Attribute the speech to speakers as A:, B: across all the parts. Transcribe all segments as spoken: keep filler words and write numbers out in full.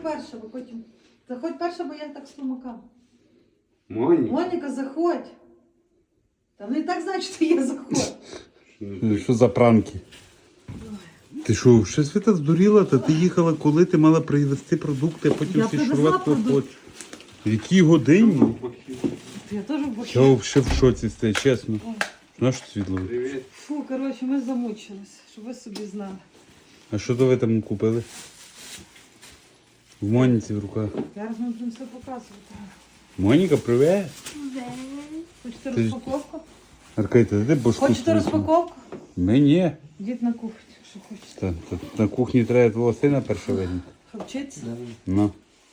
A: перша, бо потім. Заходь перша, бо я так слумака.
B: Моніка.
A: Моніка, заходь. Та ну і так знають, що ти є, заходь.
B: Що за пранки? Ти що, ще Світа здуріла? Та ти їхала коли? Ти мала привезти продукти, а потім
A: Я
B: всі
A: привезла
B: шурвати
A: продукти.
B: хочеш. В якій годині?
A: Я теж в бахі.
B: Я взагалі в шоці стаю, чесно. Знаєш, що світло?
C: Привіт.
A: Фу, коротше, ми замучились, щоб ви собі знали.
B: А що то ви там купили? В Моніці в руках.
A: Зараз ми будемо все показувати.
B: Моніка, привет.
A: Хочете
B: Ти ж-
A: розпаковку?
B: Аркадій, ти де башку?
A: Хочете
B: свою?
A: розпаковку?
B: Мені.
A: Йдіть на кухню, що хочете.
B: Та, та, на кухні треба твого сина перше вигнати.
A: Вчиться?
B: Ну.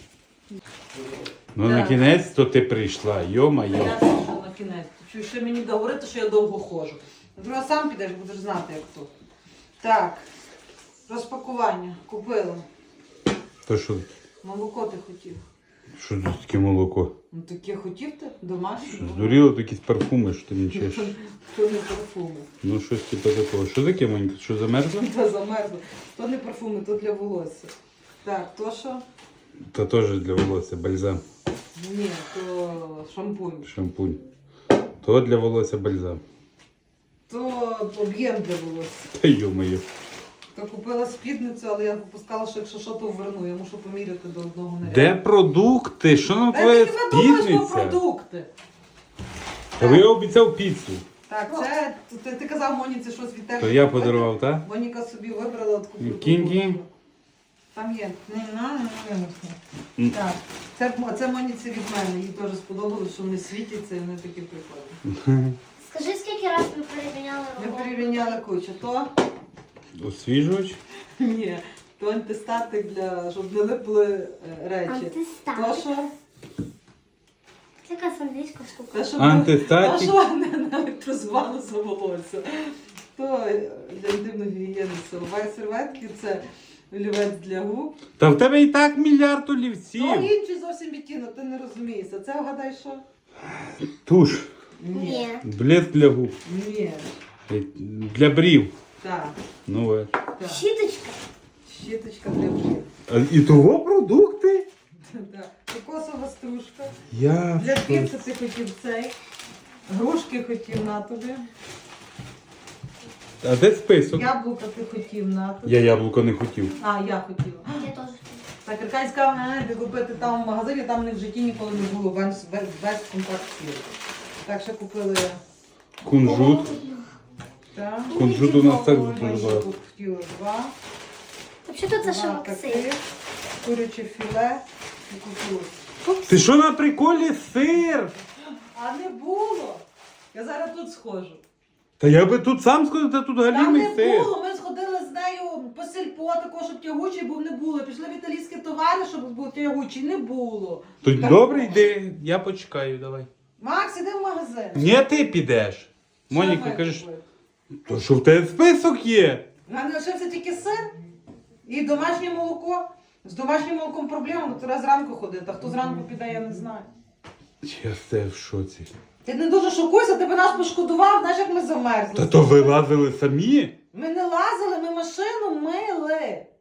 B: Ну,
A: Да.
B: на кінець то ти прийшла, йо-майо.
A: Я теж на кінець. Чую, ще мені говорити, що я довго ходжу. Друга сам підеш, будеш знати, як то. Так, розпакування. Купила.
B: То що,
A: Молоко ти хотів.
B: що тут таке молоко?
A: Ну таке хотів ти? Домашнє?
B: Здуріло якісь парфуми, що ти мічеш.
A: То не парфуми.
B: Ну щось типу такого. Що таке, Моніка? Що замерзло?
A: Та замерзло. То не парфуми, то для волосся. Так, то що?
B: Та теж для волосся бальзам.
A: Ні, то шампунь.
B: Шампунь. То для волосся бальзам.
A: То об'єм для волосся.
B: Та йо-моє.
A: То купила спідницю, але я попускала, що якщо що, то вверну. Я мушу поміряти до одного наряду.
B: Де продукти? Що нам
A: Та
B: твоя
A: ти не думаєш про
B: спідниця?
A: продукти.
B: Та ви обіцяв піцу.
A: Так, це ти, ти казав Моніці щось від тебе.
B: То я
A: купити.
B: подарував, так?
A: Моніка собі вибрала от купити.
B: Кінь-кінь.
A: Там є. Не на, не
B: М.
A: Так. Це, це Моніці від мене. Їй теж сподобалось, що вони світяться і вони такі прикольні.
D: Скажи, скільки разів ми переміняли
A: Ми
D: роботу?
A: перевіряли кучу. То?
B: Освіжувач?
A: Ні. То антистатик для, щоб не липли е, речі. То
D: Антистатик.
A: що?
D: Це якась англійська штука.
A: Те, що
B: Антистатик.
A: То, що не електрозувало за волосся. То для інтимної гігієни силової серветки, це олівець для губ.
B: Та в тебе і так мільярд олівців.
A: То інший зовсім відтінок, ти не розумієшся. Це вгадай що?
B: Туш.
D: Ні.
B: Блеск для губ.
A: Ні.
B: Для брів.
A: Так.
B: Ну ви.
A: Так.
D: Щіточка.
A: Щіточка для брів.
B: А і того продукти?
A: Так. Кокосова стружка.
B: Я.
A: Для піци ти хотів цей. Грушки хотів на тобі.
B: А де список?
A: Яблука ти хотів на тобі.
B: Я яблуко не хотів.
A: А, я хотіла.
D: Я теж.
A: Так, Аркадій сказав, не, де купити там в магазині, там не в житті ніколи не було, весь, весь, весь компакт сіль. Так, ще купили
B: Кунжут.
A: так.
B: Кунжут у нас так
A: Ой,
B: дуже
A: ще
B: багато.
A: тут хотіла два.
D: Взагалі це ще
A: Два
D: Максим.
A: таких. Куряче філе і кукурудзу.
B: Ти що на приколі сир?
A: А не було. Я зараз тут схожу.
B: Та я би тут сам сходив, та тут
A: Там
B: галімий
A: не
B: сир.
A: було, ми сходили з нею по сільпо, такого, щоб тягучий був, не було. Пішли в італійські товари, щоб був тягучий, не було.
B: То
A: Так.
B: добре, йди, я почекаю, давай.
A: Макс, іди в магазин.
B: Ні, ти підеш.
A: Що
B: Моніка,
A: ми
B: кажеш,
A: купили?
B: то що в тебе список є?
A: У мене лишився тільки сир і домашнє молоко. З домашнім молоком проблема, бо треба зранку ходити, а хто зранку піде, я не знаю.
B: Я все в шоці.
A: Ти не дуже шокуйся, ти би нас пошкодував, знаєш, як ми замерзли.
B: Та то ви лазили самі?
A: Ми не лазили, ми машину мили.